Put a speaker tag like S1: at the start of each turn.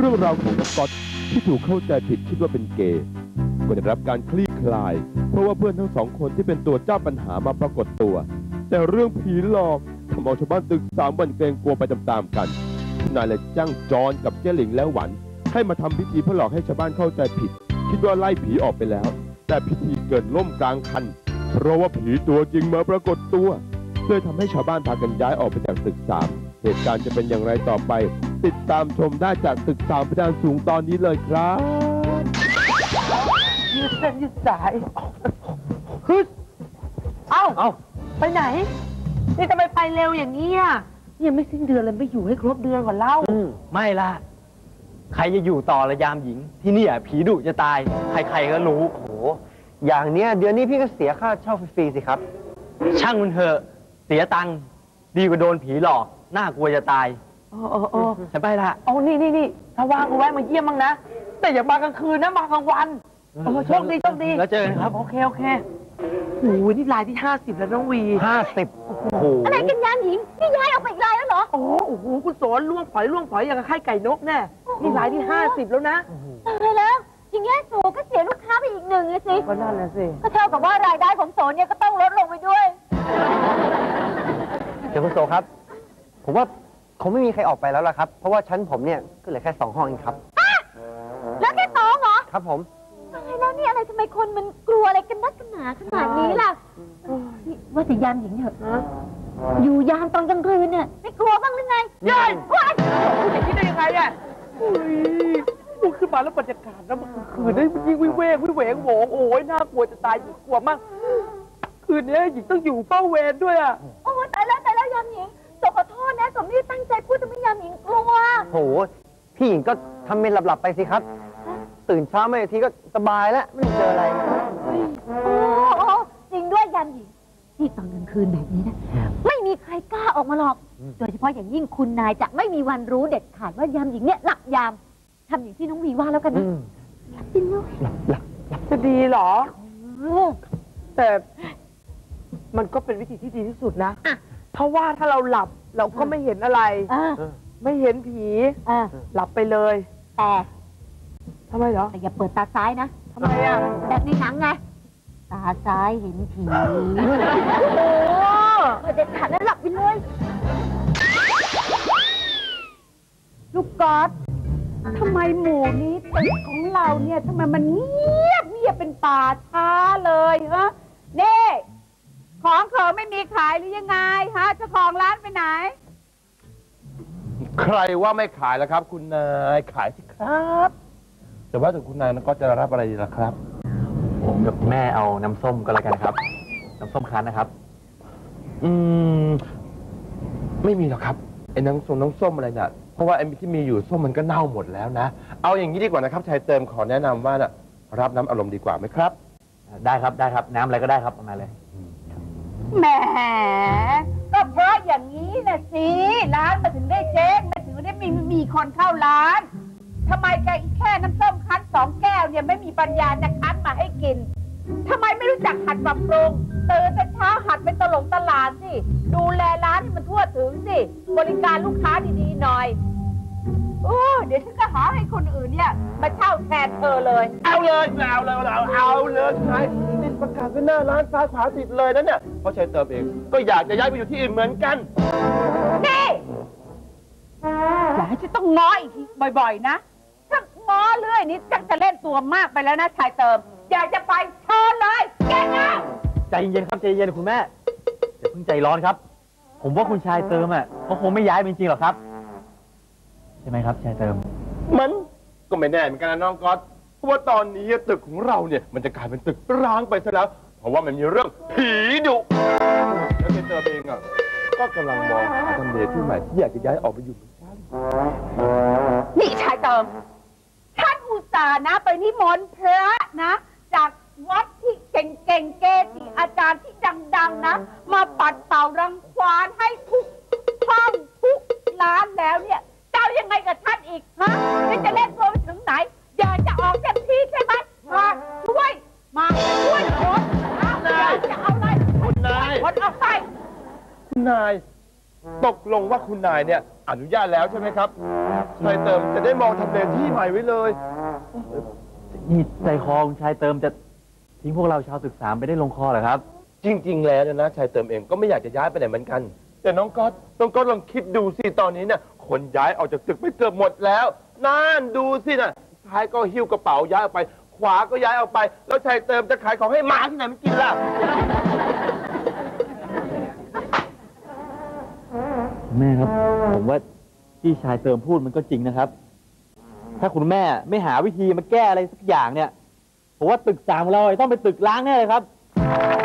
S1: รื่องราวของน้องก๊อตที่ถูกเข้าใจผิดคิดว่าเป็นเกย์ก็ได้รับการคลี่คลายเพราะว่าเพื่อนทั้งสองคนที่เป็นตัวเจ้าปัญหามาปรากฏตัวแต่เรื่องผีหลอกทำเอาชาวบ้านตึก3 วันเกรงกลัวไปตามๆกันนายเลยจ้างจอนกับเจ้หลิงและหวันให้มาทำพิธีเพื่อหลอกให้ชาวบ้านเข้าใจผิดคิดว่าไล่ผีออกไปแล้วแต่พิธีเกิดล่มกลางคันเพราะว่าผีตัวจริงมาปรากฏตัวเลยทำให้ชาวบ้านพากันย้ายออกไปจากตึก3เหตุการณ์จะเป็นอย่างไรต่อไปติดตามชมได้จากตึก3เพดานสูงตอนนี้เลยครับ
S2: ยืดเส้นยืดสายฮึดเอ้าไปไหนนี่ทำไมไปเร็วอย่างนี้อ่ะยังไม่สิ้นเดือนเลยไม่อยู่ให้ครบเดือนก่อนเล่า
S3: ไม่ล่ะใครจะอยู่ต่อระยามหญิงที่นี่ผีดุจะตายใครๆก็รู้โอ้โหอย่างเนี้ยเดือนนี้พี่ก็เสียค่าเช่าฟรีๆสิครับช่างมันเถอะเสียตังค์ดีกว่าโดนผีหลอกน่ากลัวจะตายฉันไปละ
S2: นี่ถ้าว่างก็แวะมาเยี่ยมบ้างนะแต่อย่ามากลางคืนนะมากลางวันโชคดี
S3: แล้วเจอกันครับ
S2: โอเคโอ้ยนี่รายที่50แล้วน้องวี
S3: 50โอ้โห
S4: อะไรกันยามหญิงนี่ย้ายออกไปอีกรายแล้วเหรอ
S2: โอ้โหคุณโสนล่วงฝอยอย่างกับไข่ไก่นกแน่นี่รายที่50แล้วนะ
S4: ตายแล้วอย่างเงี้ยโสก็เสียลูกค้าไปอีก1เลยสิ
S2: ก็นั่นแหละสิ
S4: ก็เท่ากับว่ารายได้ของโสเนี่ยก็ต้องลดลงไปด้วย
S3: เดี๋ยวคุณโสครับผมว่าคงไม่มีใครออกไปแล้วล่ะครับเพราะว่าชั้นผมเนี่ยก็เหลือแค่2 ห้องเองครับ
S4: แล้วแค่2เหรอ
S3: ครับผม
S4: ตายแล้วนี่อะไรทำไมคนมันกลัวอะไรกันนักกันหนาขนาดนี้ล่ะว่าแต่ยามหญิงเถอะอยู่ยามตอนกลางคืนเนี่ยไม่กลัวบ้างหรือไง
S2: เดินว้ายคุณอย่างนี้ได้ยังไงอ่ะพูดขึ้นมาแล้วบรรยากาศนะมันคืนได้ยิ่งวิเวกวิเวงโหงโอ้ยน่ากลัวจะตายกลัวมากคืนนี้หญิงต้องอยู่เฝ้าเวรด้วยอ่ะ
S4: โอ้ตายแล้วยามหญิงขอโทษนะสมนี่ตั้งใจพูดจะไม่ยามหญิงกลัว
S3: โหพี่หญิงก็ทำเป็นหลับๆไปสิครับตื่นเช้ามาอีกทีก็สบายแล้วไม่เจออะไร
S4: โอ้จริงด้วยยามหญิงที่ตอนกลางคืนแบบนี้นะไม่มีใครกล้าออกมาหรอกโดยเฉพาะอย่างยิ่งคุณนายจะไม่มีวันรู้เด็ดขาดว่ายามหญิงเนี่ยหลับยามทำอย่างที่น้องวีว่าแล้วกันนะจริงด้วย
S2: จะดีเหรอแต่มันก็เป็นวิธีที่ดีที่สุดนะเพราะว่าถ้าเราหลับเราก็ไม่เห็นอะไรไม่เห็นผีหลับไปเลย
S4: แต่
S2: ทำไมเหรอ
S4: แต่อย่าเปิดตาซ้ายนะ
S2: ทำไมอ่ะ
S4: แบบในหนังไงตาซ้ายเห็นผีโอ้เด็ดขาดแล้วหลับไปเลยลูกก๊อตทำไมหมู่นี้ตึกของเราเนี่ยทำไมมันเงียบเป็นป่าช้าเลยฮะเน่ของเขาไม่มีขายหรือยังไงฮะเจ้าของร้านไปไหน
S1: ใครว่าไม่ขายแล้วครับคุณนายขายสิครับแต่ว่าถึงคุณนายก็จะรับอะไรดีล่ะครับ
S3: ผมกับแม่เอาน้ำส้มก็แล้วกันครับน้ำส้มคั้นนะครับ
S1: ไม่มีหรอกครับไอ้น้ำส้มอะไรเนี่ยเพราะว่าไอ้ที่มีอยู่ส้มมันก็เน่าหมดแล้วนะเอาอย่างนี้ดีกว่านะครับชายเติมขอแนะนำว่ารับน้ำอารมณ์ดีกว่าไหมครับ
S3: ได้ครับน้ำอะไรก็ได้ครับมาเลย
S4: แหมก็เพราะอย่างนี้นะสิร้านมาถึงได้เจ๊งมาถึงได้มีคนเข้าร้านทำไมแค่น้ำส้มคั้น2 แก้วเนี่ยไม่มีปัญญาจะคั้นมาให้กินทำไมไม่รู้จักหัดปรับปรุงตื่นแต่เช้าหัดเป็นตลาดสิดูแลร้านให้มันทั่วถึงสิบริการลูกค้าดีๆหน่อยเดี๋ยวฉันก็หาให้คนอื่นเนี่ยมาเช่าแทนเธอเลย
S1: เอาเลยนายนี่ประกาศไว้หน้าร้านซ้ายขวาติดเลยนะเนี่ยเพราะชายเติมเองก็อยากจะย้ายไปอยู่ที่อื่นเหมือนกัน
S4: นี่อย่าให้ฉันต้องง้ออีกทีบ่อยๆนะถ้าง้อเรื่อยนี้จะเล่นตัวมากไปแล้วนะชายเติมอยากจะไปเชิญเลยแกนะ
S3: ใจเย็นครับใจเย็นคุณแม่อย่าเพิ่งใจร้อนครับผมว่าคุณชายเติมเขาคงไม่ย้ายจริงๆหรอกครับใช่ไหมครับชายเติม
S1: มันก็ไม่แน่เหมือนกันนะน้องก๊อตเพราะว่าตอนนี้ตึกของเราเนี่ยมันจะกลายเป็นตึกร้างไปซะแล้วเพราะว่ามันมีเรื่องผีดุแล้วชายเติมเองก็กำลังมองหาทำเลที่ใหม่ที่อยากจะย้ายออกไปอยู่เหมือนกัน
S4: นี่ชายเติมท่านอุตส่าห์นะไปนิมนต์พระนะจากวัดที่เก่งๆเกจิอาจารย์ที่ดังๆนะมาปัดเป่ารังควานให้ทุกห้องทุกร้านแล้วเนี่ยเจ้ายังไงกับท่านอีกฮะนี่จะเล่นตัวไปถึงไหนอยากจะออกเต็มที่ใช่ไหมมาช่วยคนจะเอาอะไร
S1: คุณนาย
S4: คนออกไป
S1: คุณนายตกลงว่าคุณนายเนี่ยอนุญาตแล้วใช่ไหมครับชายเติมจะได้มองทำเลที่ใหม่ไว้เลย
S3: นี่ใจคอคุณชายเติมจะทิ้งพวกเราชาวศึกษาไปได้ลงคอเหรอครับ
S1: จริง ๆ แล้วเนี่ยนะชายเติมเองก็ไม่อยากจะย้ายไปไหนเหมือนกัน แต่น้องก๊อตลองคิดดูสิตอนนี้เนี่ยคนย้ายออกจากตึกไปเกือบหมดแล้วนั่นดูสิน่ะซ้ายก็หิ้วกระเป๋าย้ายออกไป ขวาก็ย้ายออกไป แล้วชายเติมจะขายของให้หมาที่ไหนมันกินล่ะ
S3: แม่ครับ ผมว่าที่ชายเติมพูดมันก็จริงนะครับ ถ้าคุณแม่ไม่หาวิธีมาแก้อะไรสักอย่างเนี่ยผมว่าตึกสามของเราต้องเป็นตึกล้างแน่เลยครับ